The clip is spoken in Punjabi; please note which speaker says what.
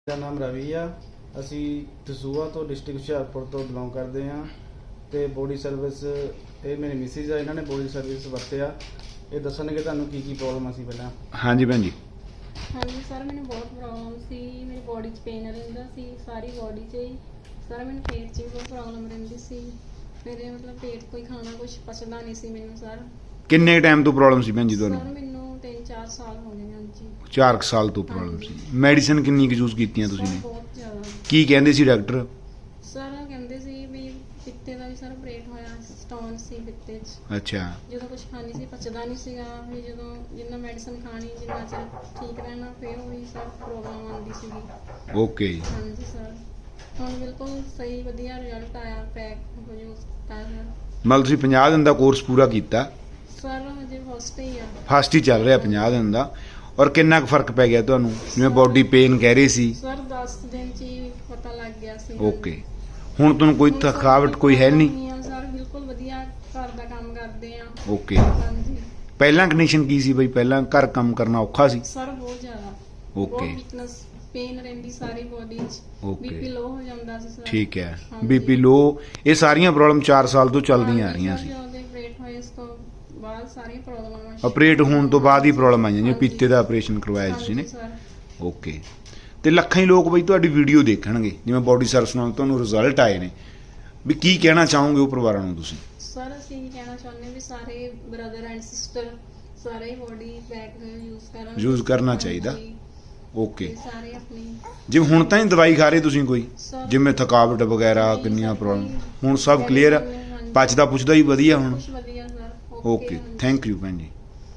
Speaker 1: ਮੇਰਾ ਨਾਮ ਰਵੀ ਆ। ਅਸੀਂ ਦਸੂਹਾ ਤੋਂ ਡਿਸਟ੍ਰਿਕਟ ਹੁਸ਼ਿਆਰਪੁਰ ਤੋਂ ਬਿਲੋਂਗ ਕਰਦੇ ਹਾਂ ਤੇ ਬੋਡੀ ਸਰਵਿਸ ਇਹ ਮੇਰੀ ਮਿਸਿਸ ਆ, ਇਹਨਾਂ ਨੇ ਬੋਡੀ ਸਰਵਿਸ ਵਰਤਿਆ। ਇਹ ਦੱਸਣਗੇ ਤੁਹਾਨੂੰ ਕੀ ਕੀ ਪ੍ਰੋਬਲਮ ਸੀ ਪਹਿਲਾਂ।
Speaker 2: ਹਾਂਜੀ ਭੈਣ ਜੀ।
Speaker 3: ਹਾਂਜੀ ਸਰ, ਮੈਨੂੰ ਬਹੁਤ ਪ੍ਰੋਬਲਮ ਸੀ। ਮੇਰੀ ਬੋਡੀ 'ਚ ਪੇਨ ਰਹਿੰਦਾ ਸੀ, ਸਾਰੀ ਬੋਡੀ 'ਚ ਹੀ। ਸਰ ਮੈਨੂੰ ਪੇਟ 'ਚ ਵੀ ਬਹੁਤ ਪ੍ਰੋਬਲਮ ਰਹਿੰਦੀ ਸੀ। ਮੇਰੇ ਮਤਲਬ ਪੇਟ ਕੋਈ ਖਾਣਾ ਕੁਝ ਪਚਦਾ ਨਹੀਂ ਸੀ ਮੈਨੂੰ ਸਰ।
Speaker 2: ਕਿੰਨੇ ਟਾਈਮ ਤੋਂ ਪ੍ਰੋਬਲਮ ਸੀ ਭੈਣ ਜੀ ਤੁਹਾਨੂੰ?
Speaker 3: ਸਰ ਮੈਨੂੰ 3-4 ਸਾਲ ਹੋ ਗਏ ਹਨ ਜੀ।
Speaker 2: 4 ਸਾਲ ਤੋਂ ਪ੍ਰੋਬਲਮ ਸੀ। ਮੈਡੀਸਿਨ ਕਿੰਨੀ ਕੁ ਯੂਜ਼ ਕੀਤੀਆਂ ਤੁਸੀਂ
Speaker 3: ਸਰ
Speaker 2: ਨੇ?
Speaker 3: ਬਹੁਤ ਜ਼ਿਆਦਾ।
Speaker 2: ਕੀ ਕਹਿੰਦੇ ਸੀ ਡਾਕਟਰ?
Speaker 3: ਸਰ ਕਹਿੰਦੇ ਸੀ ਵੀ ਪਿੱਤੇ ਦਾ ਵੀ ਸਰ ਆਪਰੇਟ ਹੋਇਆ, ਸਟੋਨ ਸੀ ਪਿੱਤੇ 'ਚ।
Speaker 2: ਅੱਛਾ।
Speaker 3: ਜਦੋਂ ਕੁਝ ਖਾਣੀ ਸੀ ਪਚਦਾ ਨਹੀਂ ਸੀਗਾ। ਵੀ ਜਦੋਂ ਜਿੰਨਾ ਮੈਡੀਸਨ ਖਾਣੀ ਜਿੰਨਾ ਚਿਰ ਠੀਕ ਰਹਿਣਾ, ਫਿਰ ਉਹੀ ਸਰ ਪ੍ਰੋਬਲਮ ਆਉਂਦੀ ਸੀਗੀ।
Speaker 2: ਓਕੇ।
Speaker 3: ਹਾਂਜੀ ਸਰ, ਹੁਣ ਬਿਲਕੁਲ ਸਹੀ ਵਧੀਆ ਰਿਜ਼ਲਟ ਆਇਆ। ਪੈਕ ਹੋ ਯੂਜ਼ ਕੀਤਾ ਸਰ।
Speaker 2: ਮਤਲਬ ਤੁਸੀਂ 50 ਦਿਨ ਦਾ ਕੋਰਸ ਪੂਰਾ ਕੀਤਾ?
Speaker 3: ਸਰ ਹਜੇ ਫਸਟ ਹੀ ਆ।
Speaker 2: ਫਸਟ ਹੀ ਚੱਲ ਰਿਹਾ 50 ਦਿਨ ਦਾ। ਔਰ ਕਿੰਨਾ ਕੁ ਫਰਕ ਪੈ ਗਿਆ ਤੁਹਾਨੂੰ? ਜਿਵੇਂ ਬੋਡੀ ਪੇਨ ਕਹਿ ਰਹੇ ਸੀ।
Speaker 3: ਸਰ 10 ਦਿਨ 'ਚ ਹੀ ਪਤਾ ਲੱਗ ਗਿਆ ਸੀ।
Speaker 2: ਓਕੇ। ਹੁਣ ਤੁਹਾਨੂੰ ਕੋਈ ਥਕਾਵਟ ਕੋਈ ਹੈ ਨਹੀਂ?
Speaker 3: ਸਰ ਬਿਲਕੁਲ ਵਧੀਆ ਘਰ ਦਾ ਕੰਮ ਕਰਦੇ ਆ।
Speaker 2: ਓਕੇ।
Speaker 3: ਹਾਂਜੀ
Speaker 2: ਪਹਿਲਾਂ ਕੰਡੀਸ਼ਨ ਕੀ ਸੀ ਬਈ? ਪਹਿਲਾਂ ਘਰ ਕੰਮ ਕਰਨਾ ਔਖਾ ਸੀ?
Speaker 3: ਸਰ ਬਹੁਤ ਜ਼ਿਆਦਾ।
Speaker 2: ਓਕੇ।
Speaker 3: ਬਹੁਤ ਵੀਕਨੈਸ, ਪੇਨ ਰਹਿੰਦੀ ਸਾਰੀ ਬੋਡੀ 'ਚ।
Speaker 2: ਓਕੇ।
Speaker 3: ਬੀਪੀ ਲੋ ਹੋ ਜਾਂਦਾ ਸੀ ਸਰ।
Speaker 2: ਠੀਕ ਹੈ।
Speaker 3: ਹਾਂਜੀ।
Speaker 2: ਬੀਪੀ ਲੋ, ਇਹ ਸਾਰੀਆਂ ਪ੍ਰੋਬਲਮ 4 ਸਾਲ ਤੋਂ ਚੱਲਦੀਆਂ ਆ ਰਹੀਆਂ ਸੀ।
Speaker 3: ਜਦੋਂ ਦੇ ਆਪਰੇਟ ਹੋਏ ਇਸ ਤੋਂ ਬਾਅਦ ਸਾਰੀਆਂ ਪ੍ਰੋਬਲਮਾਂ
Speaker 2: ਆਪਰੇਟ ਹੋਣ ਤੋਂ ਬਾਅਦ ਹੀ ਪ੍ਰੋਬਲਮ ਆਈਆਂ, ਜਿਵੇਂ ਪੀਤੇ ਦਾ ਆਪਰੇਸ਼ਨ ਕਰਵਾਇਆ ਤੁਸੀਂ ਨੇ।
Speaker 3: Sir
Speaker 2: okay. ਤੇ ਲੱਖਾਂ ਹੀ ਲੋਕ ਬਈ ਤੁਹਾਡੀ ਵੀਡੀਓ ਦੇਖਣਗੇ, ਜਿਵੇਂ ਬੋਡੀ ਸਰਵਿਸ ਨਾਲ ਤੁਹਾਨੂੰ ਰਿਜ਼ਲਟ ਆਏ ਨੇ, ਵੀ ਕੀ ਕਹਿਣਾ ਚਾਹੋਗੇ ਉਹ ਪਰਿਵਾਰਾਂ ਨੂੰ ਤੁਸੀਂ?
Speaker 3: ਸਰ ਅਸੀਂ ਇਹ ਕਹਿਣਾ ਚਾਹੁੰਦੇ ਹਾਂ ਵੀ ਸਾਰੇ ਬ੍ਰਦਰ ਐਂਡ ਸਿਸਟਰ ਸਾਰੇ ਬੋਡੀ ਪੈਕ
Speaker 2: ਯੂਜ਼ ਕਰਨਾ ਚਾਹੀਦਾ।
Speaker 3: ਹਾਂਜੀ।
Speaker 2: ਓਕੇ।
Speaker 3: ਤੇ ਸਾਰੇ ਆਪਣੀ
Speaker 2: ਜਿਵੇਂ ਹੁਣ ਤਾਂ ਹੀ ਦਵਾਈ ਖਾ ਰਹੇ ਤੁਸੀਂ ਕੋਈ,
Speaker 3: ਸਰ
Speaker 2: ਜਿਵੇਂ ਥਕਾਵਟ ਵਗੈਰਾ
Speaker 3: ਨਹੀਂ
Speaker 2: ਕਿੰਨੀਆਂ
Speaker 3: ਸਰ,
Speaker 2: ਪ੍ਰੋਬਲਮ?
Speaker 3: ਕੋਈ
Speaker 2: ਹੁਣ ਸਭ ਕਲੀਅਰ ਆ?
Speaker 3: ਹਾਂਜੀ।
Speaker 2: ਪਚਦਾ ਪੁੱਛਦਾ ਹੀ ਵਧੀਆ ਹੁਣ?
Speaker 3: ਕੁਛ ਵਧੀਆ ਸਰ।
Speaker 2: ਓਕੇ। ਥੈਂਕ ਯੂ ਭੈਣ ਜੀ।